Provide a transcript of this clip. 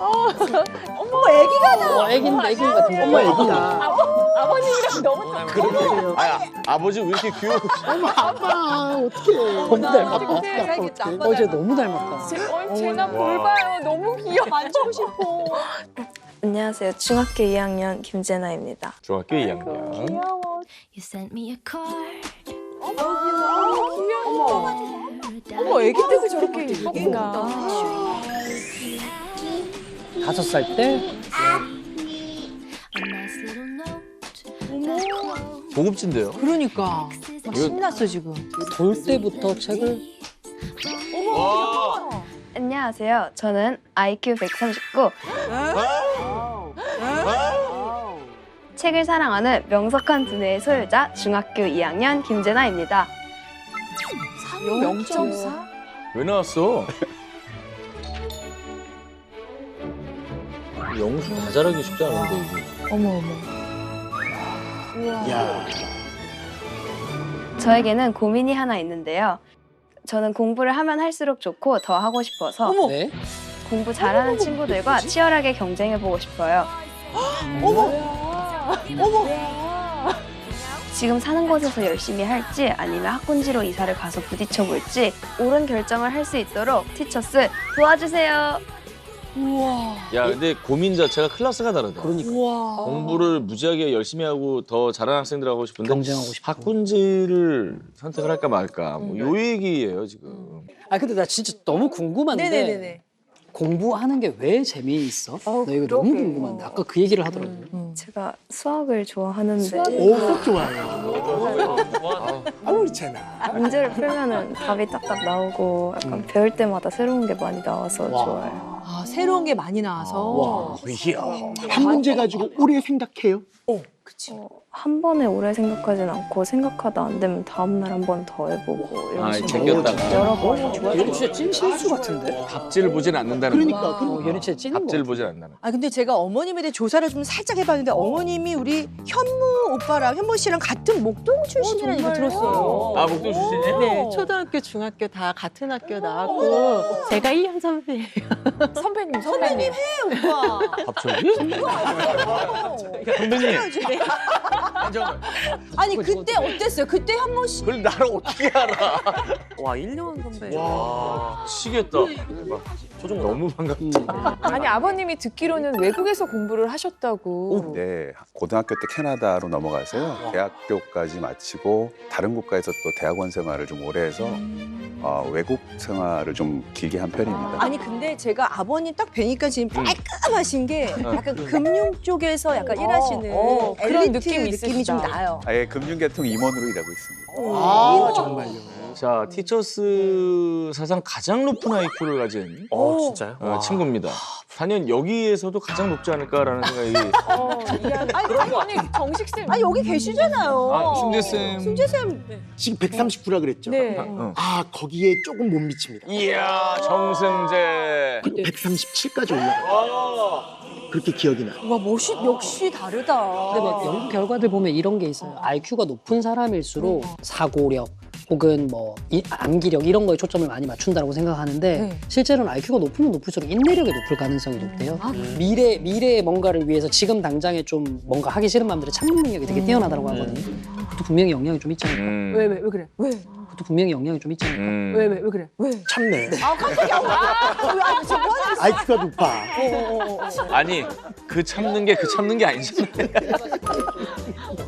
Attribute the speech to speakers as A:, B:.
A: 어머, 애기가 나.
B: 애긴 같은데.
C: 엄마 애기야.
A: 아버님이랑 너무 닮았어.
D: 아야 아버지 왜 이렇게 귀여워?
C: 아빠 어떡해.
B: 너무 닮았다.
A: 살겠다.
B: 어제 너무 닮았다.
A: 제가 뭘 봐요. 너무 귀여워. 만지고 싶어.
E: 안녕하세요. 중학교 2학년 김재나입니다.
D: 중학교 2학년.
A: 귀여워.
F: You sent me a card.
A: 어머, 애기 때도 저렇게 예뻤구나.
B: 5살 때
F: A nice little note.
D: 고급진데요?
A: 그러니까. 막 신났어, 지금.
B: 돌 때부터 책을
E: 안녕하세요. 저는 IQ 139. 책을 사랑하는 명석한 두뇌의 소유자 중학교 2학년 김재나입니다.
A: 0.4?
D: 왜 나왔어? 영수 다 잘하기 쉽지 않은데 이게.
A: 어머, 어머.
C: 야.
E: 저에게는 고민이 하나 있는데요. 저는 공부를 하면 할수록 좋고 더 하고 싶어서
A: 어머.
B: 네.
E: 공부 잘하는 친구들과 치열하게 경쟁해보고 싶어요. 지금 사는 곳에서 열심히 할지 아니면 학군지로 이사를 가서 부딪혀볼지 옳은 결정을 할 수 있도록 티처스 도와주세요.
A: 우와.
D: 야 근데 고민 자체가 클래스가 다르다.
B: 그러니까
A: 우와.
D: 공부를 무지하게 열심히 하고 더 잘하는 학생들 하고 싶은데
B: 경쟁하고 싶어.
D: 학군지를 선택을 할까 말까 뭐 요 얘기예요 지금.
B: 아 근데 나 진짜 너무 궁금한데
A: 네네네네.
B: 공부하는 게 왜 재미있어?
A: 어,
B: 나 이거 너무
A: 그러게.
B: 궁금한데 아까 그 얘기를 하더라고요.
E: 제가 수학을 좋아하는데
C: 오, 속 좋아요. 아무렇잖아.
E: 문제를 풀면은 답이 딱딱 나오고 약간 배울 때마다 새로운 게 많이 나와서
B: 와.
E: 좋아요.
A: 아, 새로운 게 많이 나와서.
B: 와.
C: 이야. 한 문제 가지고 오래 생각해요?
A: 그치.
E: 한 번에 오래 생각하진 않고 생각하다 안 되면 다음 날 한 번 더 해보고 이런
D: 아,
E: 식으로
D: 제꼈다가.
E: 여러 번.
B: 얘는 진짜 찐 실수 같은데?
D: 갑질을 보진 않는다는 거.
C: 그러니까.
B: 얘는 진짜 찐인 거
D: 갑질을
B: 같아.
D: 보진 않는다는 거.
G: 아 근데 제가 어머님에 대해 조사를 좀 살짝 해봤는데 어머님이 우리 현무 오빠랑 현무 씨랑 같은 목동 출신이라는 얘기 들었어요.
D: 아 목동 출신이에요?
H: 네, 초등학교, 중학교 다 같은 학교 나왔고 제가 1년 선배예요.
A: 선배님.
G: 오빠.
D: 갑자기? 선배님. 잠깐만.
G: 아니 그때 어땠어요? 그때 현무 씨
D: 그걸 나를 어떻게 알아?
H: 와, 1년 선배.
D: 와 미치겠다. 대박. 너무 반갑다.
A: 아니, 아버님이 듣기로는 외국에서 공부를 하셨다고.
I: 네, 고등학교 때 캐나다로 넘어가서요. 대학교까지 마치고 다른 국가에서 또 대학원 생활을 좀 오래 해서 외국 생활을 좀 길게 한 편입니다.
G: 아니 근데 제가 아버님 딱 뵈니까 지금 깔끔하신 게 약간 금융 쪽에서 약간 일하시는
A: 그런
G: 엘리트
A: 느낌이
G: 느낌이 좀
A: 있으시다.
G: 나요.
I: 아예 금융계통 임원으로 일하고 있습니다.
C: 아, 정말요.
D: 자 티처스 사상 가장 높은 IQ를 가진
H: 진짜요?
D: 친구입니다. 단연 여기에서도 가장 높지 않을까라는 생각이.
A: 아니, 정식쌤.
G: 아 여기 계시잖아요.
D: 아, 승재쌤.
G: 승재쌤.
C: 지금 139라 그랬죠?
A: 네.
C: 아, 거기에 조금 못 미칩니다.
D: 이야 정승재.
C: 137까지 올라가요. 그렇게 기억이 나.
G: 와 멋이 역시 다르다.
B: 근데 막 연구 결과들 보면 이런 게 있어요. IQ가 높은 사람일수록 사고력 혹은 뭐 암기력 이런 거에 초점을 많이 맞춘다고 생각하는데
A: 네.
B: 실제로는 IQ가 높으면 높을수록 인내력이 높을 가능성이 높대요. 미래의 뭔가를 위해서 지금 당장에 좀 뭔가 하기 싫은 마음들의 참는 능력이 되게 뛰어나다고 하거든요. 그것도 분명히 영향이 좀 있지 않을까.
G: 왜 그래? 왜?
B: 그것도 분명히 영향이 좀 있지 않을까.
G: 왜 그래? 왜?
C: 참네.
G: 아 깜짝이야. 왜 저거 하는
C: IQ가 높아.
D: 아니 그 참는 게 아니잖아요.